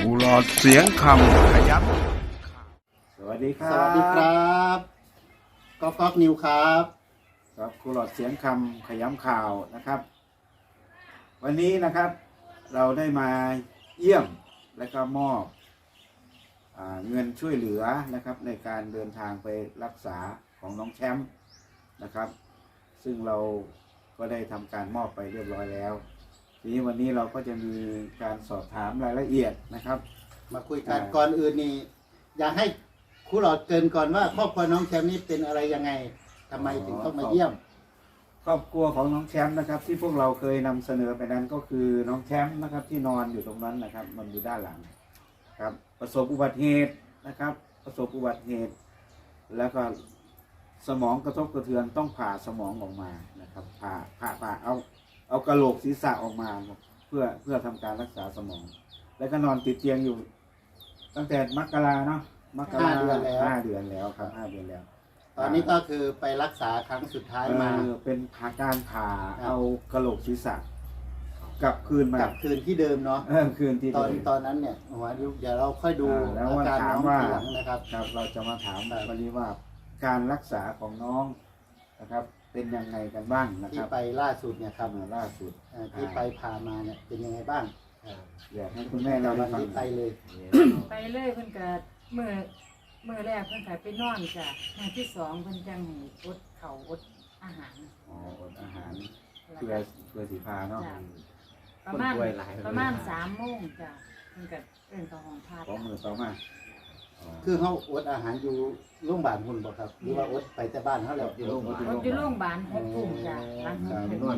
กูหลอดเสียงคำขยับสวัสดีครัสวัสดีครับก๊อกนิวครับครับครูหลอดเสียงคำขย้ำข่าวนะครับ วันนี้นะครับเราได้มาเยี่ยมและก็มอบเงินช่วยเหลือนะครับในการเดินทางไปรักษาของน้องแชมป์นะครับ ซึ่งเราก็ได้ทำการมอบไปเรียบร้อยแล้วทีนี้วันนี้เราก็จะมีการสอบถามรายละเอียดนะครับมาคุยกันก่อนอื่นนี่อยากให้ครูหลอดเกริ่นก่อนว่าครอบครัวน้องแชมป์นี่เป็นอะไรยังไงทำไมถึงต้องมาเยี่ยมครอบครัวของน้องแชมป์นะครับที่พวกเราเคยนำเสนอไปนั้นก็คือน้องแชมป์นะครับที่นอนอยู่ตรงนั้นนะครับมันอยู่ด้านหลังครับประสบอุบัติเหตุนะครับประสบอุบัติเหตุแล้วก็สมองกระทบกระเทือนต้องผ่าสมองออกมานะครับผ่าเอากระโหลกศีรษะออกมาเพื่อทำการรักษาสมอง แล้วก็นอนติดเตียงอยู่ตั้งแต่มกราเนาะมกรา5 เดือนแล้วครับ5 เดือนแล้วตอนนี้ก็คือไปรักษาครั้งสุดท้ายมาเป็นการผ่าเอากระโหลกศีรษะกลับคืนมากลับคืนที่เดิมเนาะคืนที่ตอนนั้นเนี่ยหัวเดี๋ยวเราค่อยดูอาการน้องทีหลังนะครับครับเราจะมาถามวันนี้ว่าการรักษาของน้องนะครับเป็นยังไงกันบ้างนะครับที่ไปล่าสุดเนี่ยครับล่าสุดที่ไปผ่ามาเนี่ยเป็นยังไงบ้างอยากให้คุณแม่เราฟังไปเลยเพิ่นก็มือแรกเพิ่นก็ไปนอนจ้ะมื้อที่สองเพิ่นจังให้อดข้าวอดอาหารอดอาหารเพื่อสีพาเนาะประมาณ3 โมงจ้ะเพิ่นก็เอิ้นเข้าห้องผ่าตัดมือต่อมาคือเขาอดอาหารอยู่โรงพยาบาลคุณบ่ครับหรือว่าอดไปแต่บ้านเขาแล้วอยู่โรงพยาบาล6 ทุ่มจ้ะหลัง6 ทุ่ม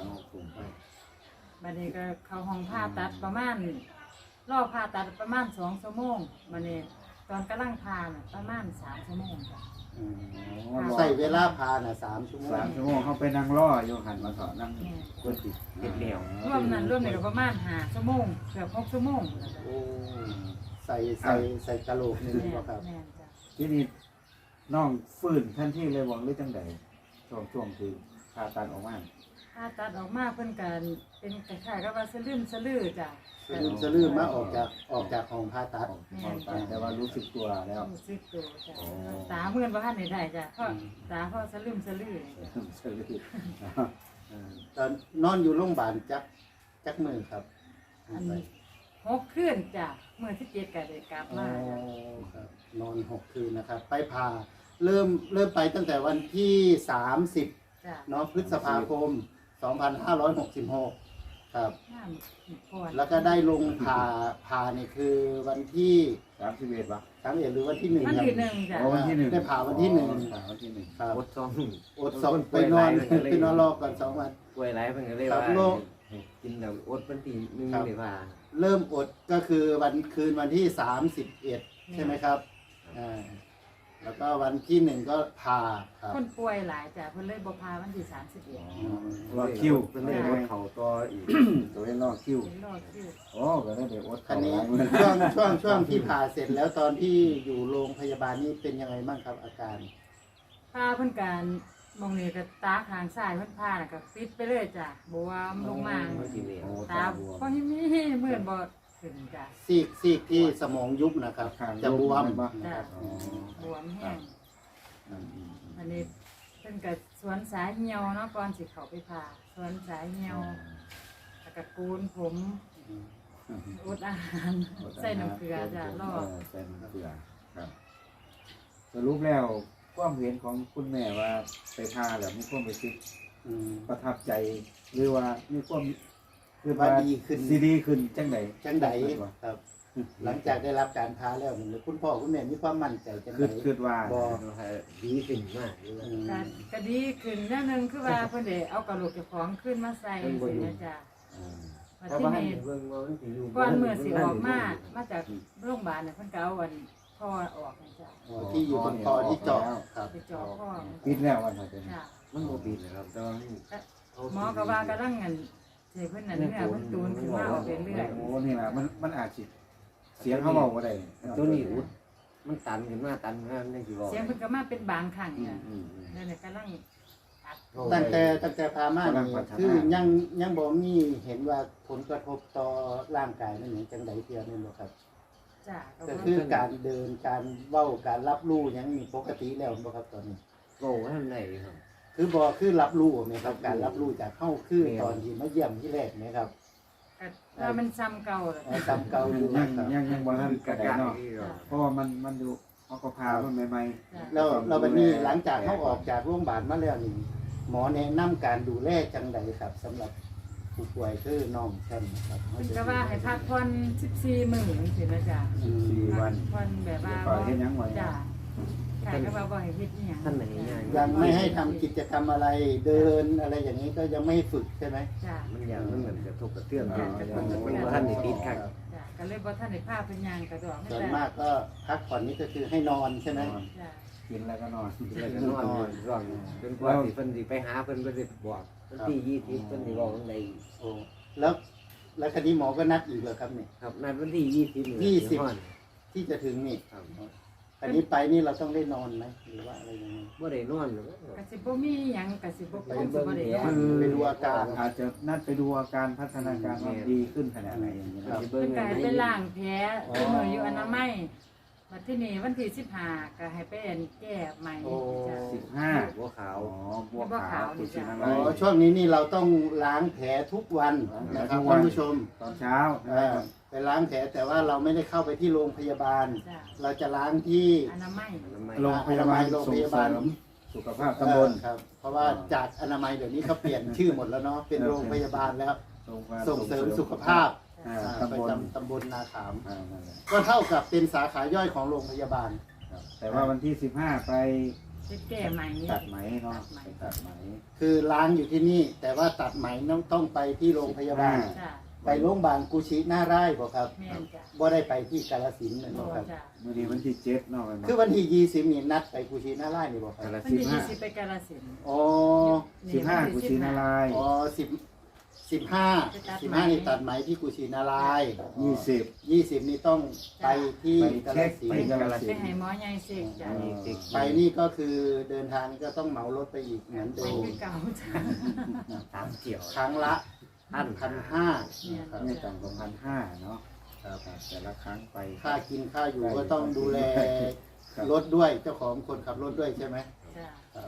บัดนี้ก็เข้าห้องผ่าตัดประมาณรอผ่าตัดประมาณ2 ชั่วโมงบัดนี้ตอนกำลังผ่าน่ะประมาณ3 ชั่วโมงจ้ะใส่เวลาผ่าน่ะ3 ชั่วโมงเขาไปนั่งรออยู่หันมาเถาะนั่งกดติดเหนียวรวมนี่ก็ประมาณ5 ชั่วโมงเกือบ6 ชั่วโมงโอ้ใส่กะโหลกนึงบ่ครับที่นี่น้องฟื้นท่านที่เลยบอกหรือจังใดช่วงคือผ่าตัดออกมาเพิ่นกันเป็นคล้ายๆกับว่าสะลือจ้ะสะลือมาออกจากห้องผ่าตัดแต่ว่ารู้สึกตัวแล้วรู้สึกตัวจ้ะตาเมื่อนบ่ทันได้จ้ะเพราะตาเพราะสะลือตอนนอนอยู่โรงพยาบาลจักมื้อครับ 6 คืนจ้ะมื้อที่7ก็ได้กลับมาครับนอน6 คืนนะครับไปผ่าเริ่มไปตั้งแต่วันที่30เนาะพฤษภาคม2566ครับแล้วก็ได้ลงผ่านี่คือวันที่ 31ป่ะ 31หรือวันที่1 ครับจ้ะวันที่1ได้ผ่าวันที่1ครับอด2ไปนอนรอก่อน2 วันป่วยหลายเพิ่นก็เลยว่ากินแล้วอดวันที่1เลยว่าเริ่มอดก็คือวันที่31ใช่ไหมครับแล้วก็วันที่1ก็ผ่าครับคนป่วยหลายจ้ะเพิ่นเลยบ่พาวันที่31 รอคิวเพิ่นเลยอดเข่าต่ออีกตัวรอคิวก็ได้อดอันนี้ช่วงที่ผ่าเสร็จแล้วตอนที่อยู่โรงพยาบาลนี่เป็นยังไงบ้างครับอาการผ่าเพิ่นการมองนี่ก็ตาข้างซ้ายเพิ่นผ่าน่ะก็ปิดไปเลยจ้ะบวมลงมาตาบ่มีเหมือนบ่ขึ้นจ้ะซีกที่สมองยุบนะครับจะบวมบวมแห้งอันนี้เพิ่นก็สวนสายเหี่ยวเนาะก่อนสิเข้าไปผ่าสวนสายเหี่ยวแล้วก็กูนผมอดอาหารใส่น้ำเกลือจ้ะรอใส่น้ำเกลือครับสรุปแล้วความเห็นของคุณแม่ว่าไปผ่าแล้วมีความรู้สึกประทับใจหรือว่ามีความคือว่าดีขึ้นจังไดครับหลังจากได้รับการผ่าแล้วคุณพ่อคุณแม่มีความมั่นใจจังได๋คิดว่าดีขึ้นมากก็ดีขึ้นอย่างนึงคือว่าเพิ่นได้เอากระโหลกเจ้าของขึ้นมาใส่สินะจ้ะเพราะว่าก่อนมื้อสิออกมาจากโรงพยาบาลน่ะเพิ่นก็เอาพ่อออกนะจ้ะที่อยู่บนคอที่เจาะครับไปเจาะพ่อปิดแล้ววันนั้นมันบ่ปิดครับแต่ว่าหมอก็ว่ากำลังเงินเสียเพิ่นนั่นเนี่ยเพิ่นตูนขึ้นมาเอาไปเรื่อยโอ้นี่ล่ะมันอาจสิเสียงเขาเว้าบ่ได้ตัวนี้อุดมันตันขึ้นมาจังสิบอกเสียงเพิ่นก็มาเป็นบางครั้งเนี่ยนั่นน่ะกำลังอัดตั้งแต่พามานี่คือยังบ่มีเห็นว่าผลกระทบต่อร่างกายนั่นหยังจังไดเทียนี่บ่ครับจ้ะก็คือการเดินการเว้าการรับรู้หยังมีปกติแล้วบ่ครับตอนนี้โง่ท่านไหนครับคือบ่คือรับรู้ไหมครับการรับรู้จากเฮาคือตอนที่มาเยี่ยมที่แรกไหมครับก็ว่ามันซ้ำเก่าแล้วจำเก่าอยู่ยันะงครับยังบ่ทันกระไดเนาะที่เราเพราะว่ามันอยู่เขาก็พามันใหม่จ้ะแล้วเราบัดนี้หลังจากเขาออกจากโรงพยาบาลมาแล้วนี่หมอแนะนำการดูแลจังไดครับสำหรับผู้ป่วยคือน้องแชมป์ครับเพิ่นก็ว่าให้พักผ่อน14มื้อจังซี่นะจ้ะ 4 วันพักผ่อนแบบว่าปล่อยให้ยังไว้จ้ะค่ะก็ว่าบ่ให้เฮ็ดอีหยังท่านไหนง่ายยังไม่ให้ทำกิจกรรมอะไรเดินอะไรอย่างนี้ก็ยังไม่ให้ฝึกใช่ไหมจ้ะมันอย่างมันเหมือนกระทบกระเตื้องกันมันว่าท่านในติดขัดจ้ะก็เลยบ่ทันได้พาเพิ่นย่างกระดอกส่วนมากก็พักผ่อนนี่ก็คือให้นอนใช่ไหมจ้ะกินแล้วก็นอนแล้วก็นอนร่องจนกว่าสิเพิ่นสิไปหาเพิ่นบ่ได้บอกวันที่20เพิ่นสิบอกจังไดโอ้แล้วคดีหมอก็นัดอีกเหรอครับเนี่ยครับนัดวันที่20 ที่จะถึงนี่ครับอันนี้ไปนี่เราต้องได้นอนไหมหรือว่าอะไรยังไงบ่ได้นอนก็สิบ่มีหยังก็สิบ่คงสิบ่ได้นอนคือไปดูอาการอาจจะนัดไปดูอาการพัฒนาการว่าดีขึ้นขนาดไหนอย่างนี้นะสิเพิ่เบิ่นงก็ให้ไปล้างแผลคือมื้ออยู่อนามัยบัดที่นี่วันที่15ก็ให้ไปอันแก้ใหม่จ้ะ 15 หัวขาวอ๋อบัวขาวกุชินาอ๋ลัอย ช่วงนี้นี่เราต้องล้างแผลทุกวันนะครับท่านผู้ชมตอนเช้าไปล้างแผลแต่ว่าเราไม่ได้เข้าไปที่โรงพยาบาลจ้ะเราจะล้างที่อนามัยโรงพยาบาลส่งเสริมสุขภาพตำบลครับ เพราะว่าจากอนามัยเดี๋ยวนี้เขาเปลี่ยนชื่อหมดแล้วเนาะเป็นโรงพยาบาลแล้ว ส่งเสริมสุขภาพตำประบลจำตำบลนาขามนั่นแหละก็เท่ากับเป็นสาขาย่อยของโรงพยาบาลครับแต่ว่าวันที่ 15 ไปไปแก้ใหม่ตัดไหมเนาะไปตัดไหมคือล้างอยู่ที่นี่ แต่ว่าตัดไหมต้องไปที่โรงพยาบาลจ้ะไปโรงพยาบาลกุชิหน้าไร่บอกครับแม่นจ้ะบ่ได้ไปที่กาฬสินธุ์นะบ่ครับจ้ะวันนี้วันที่7เนาะคือวันที่20นี่นัดไปกุชิหน้าไร่นี่บอกครับวันที่20ไปกาฬสินธุ์อ๋อ 15กุชินาลายอ๋อ15นี่ตัดไหมที่กุชินารายณ์ 20 20นี่ต้องไปที่ไปกาฬเช็คสินไปธุ์กาฬไปสินธุ์ให้หมอใหญ่เสกจ้ะไปนี่ก็คือเดินทางนี่ก็ต้องเหมารถไปอีกเหมือนไปเดิมคือเก่าจ้ะตามเกี่ยวครั้งละ 1,500 1,500ครับไม่ต่ำกว่า1,500เนาะครับแต่ละครั้งไปค่ากินค่าอยู่ก็ต้องดูแลรถด้วยเจ้าของคนขับรถด้วยใช่ไหมจ้ะครับ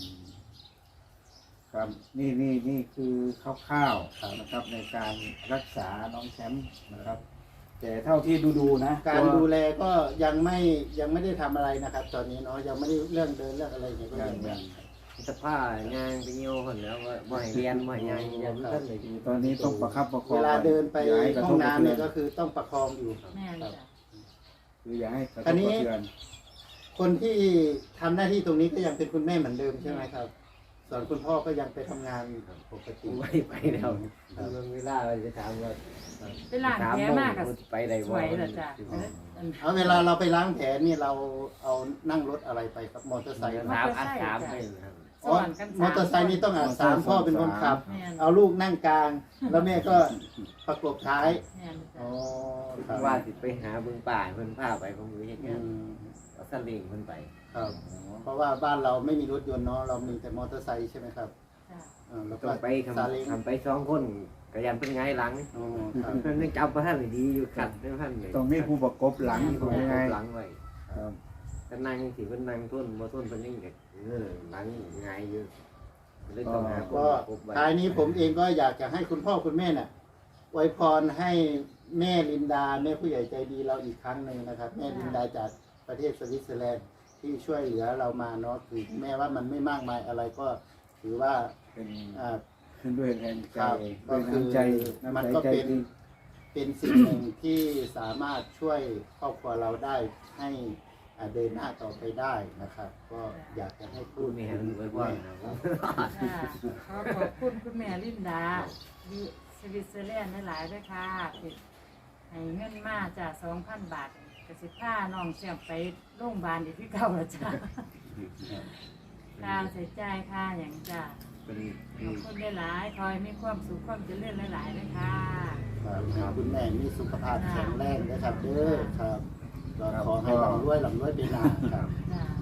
ครับนี่คือคร่าวๆนะครับในการรักษาน้องแชมป์นะครับ แต่เท่าที่ดูนะการดูแลก็ยังไม่ได้ทำอะไรนะครับ ตอนนี้เนาะยังไม่ได้เรื่องเดินเรื่องอะไรอย่างเงี้ยก็ยังสภาพงานไปเหี่ยวคนแล้วว่าบ่ให้เรียนบ่ให้ยังยังท่านเลยตอนนี้ต้องประคับประคองเวลาเดินไปย่าให้กระห้ทองบกระน้ำเทืเนี่อยก็คือต้องประคองอยู่แม่นจ้ะคืออย่าให้กระทบอันกนี้ระเทือนคนที่ทำหน้าที่ตรงนี้ก็ยังเป็นคุณแม่เหมือนเดิมใช่ไหมครับ ส่วนคุณพ่อก็ยังไปทำงานปกติไม่ไปแล้วเวลาจะถามว่าไปล้างแผลมากก็ไปได้สวยแล้วจ้ะเอาเวลาเราไปล้างแผลนี่เราเอานั่งรถอะไรไปครับมอเตอร์ไซค์ถามอัดถามให้ครับสอนกันมอเตอร์ไซค์นี่ต้องสามพ่อเป็นคนขับแม่นเอาลูกนั่งกลาง แล้วแม่ก็ประกบท้ายแม่นอ๋จ้ะอครับว่าสิไปหาเบิ่งป่าเพิ่นพาไปผมอยู่เฮ็ดอืงานมเอาซาเล้งเพิ่นไปครับ เพราะว่าบ้านเราไม่มีรถยนต์เนาะเรามีแต่มอเตอร์ไซค์ใช่ไหมครับจ้ะแล้วก็ต้องไปซาเล้งทำไป2คนก็ยันเพิ่นไงหลังอ๋อครับเพิ่นยังจับบ่ทันดีอยู่ขัดบ่ทันเลยต้องมีผู้ประกบหลังถูกยังไงหลังไว้ครับก็นั่งสิเพิ่นนั่งทุ่นบ่ทุ่นเพิ่นยังเด็กหลังไงอยู่เลยต้องหาคนก็พบไว้ท้ายนี้ผมเองก็อยากจะให้คุณพ่อคุณแม่น่ะอวยพรให้แม่ลินดาแม่ผู้ใหญ่ใจดีเราอีกครั้งหนึ่งนะครับ แม่ลินดาจากประเทศสวิตเซอร์แลนด์ที่ช่วยเหลือเรามาเนาะคือแม้ว่ามันไม่มากมายอะไรก็ถือว่าเป็นอ่าขึ้นด้วยแรงใจครับด้วยน้ำใจมันน้ำก็ใจเป็นดีเป็นสิ่งหนึ่งที่สามารถช่วยครอบครัวเราได้ให้เดินหน้าต่อไปได้นะครับ ก็อยากจะให้พูพูดดไม่ถึเห็นงไว้คุณว่าแม่นะครับจ้ะขอขอบคุณคุณแม่ลินดาอยู่สวิตเซอร์แลนด์หลายๆด้วยค่ะที่ให้เงินมาจ้ะ 2,000 บาทก็สิพาน้องเสียมไปโรงพยาบาลอีกที่เก่าแล้วจ้ะค่าใช้จ่ายค่าหยังจ้ะเป็นขอบคุณหลายๆคอยมีความสุขความเจริญหลายๆด้วยค่ะครับคุณแม่มีสุขภาพแข็งแรงนะครับเด้อครับก็ขอให้หลังรวยไปนานครับจ้ะ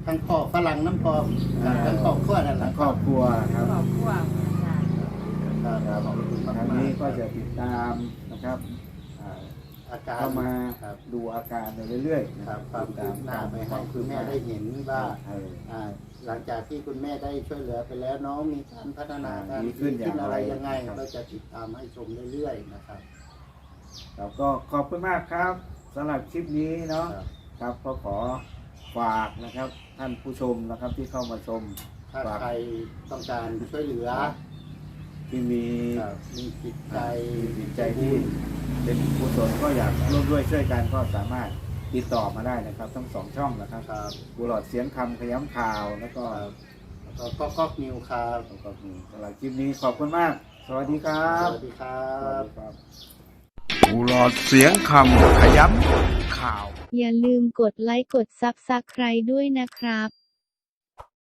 ทั้งพ่อฝรั่งน้ำพอทั้งครอบครัวนั่นแหทั้ละงครอบครัวครับครอบครัวจ้ะครับขอบคุณมากทางๆนี้ก็จะติดตามนะครับอาการเข้ามาครับดูอาการไปเรื่อยๆนะคครัรับบ ความคืบหน้าไปให้คุณแม่ได้เห็นว่าเออหลังจากที่คุณแม่ได้ช่วยเหลือไปแล้วน้องมีการพัฒนาการดีขึ้นอย่างไรอะไรยังไงครับก็จะติดตามให้ชมเรื่อยๆนะครับเราก็ขอบคุณมากครับสำหรับคลิปนี้เนาะครับครับก็ขอฝากนะครับท่านผู้ชมนะครับที่เข้ามาชมถ้าใครต้องการช่วยเหลือที่มีครับมีจิตใจจิตใจที่เป็นกุศลก็อยากร่วมด้วยช่วยกันก็สามารถติดต่อมาได้นะครับ ทั้งสองช่องนะครับครับบุหลอดเสียงคำขย้ำข่าวแล้วก็แล้วก็ก๊อกนิวครับแล้วก็มีสำหรับคลิปนี้ขอบคุณมาก สวัสดีครับสวัสดีครัสวัสบดีครับบุหลอดเสียงคำขย้ำข่าวอย่าลืมกดไลค์กดซับสไครด้วยนะครับ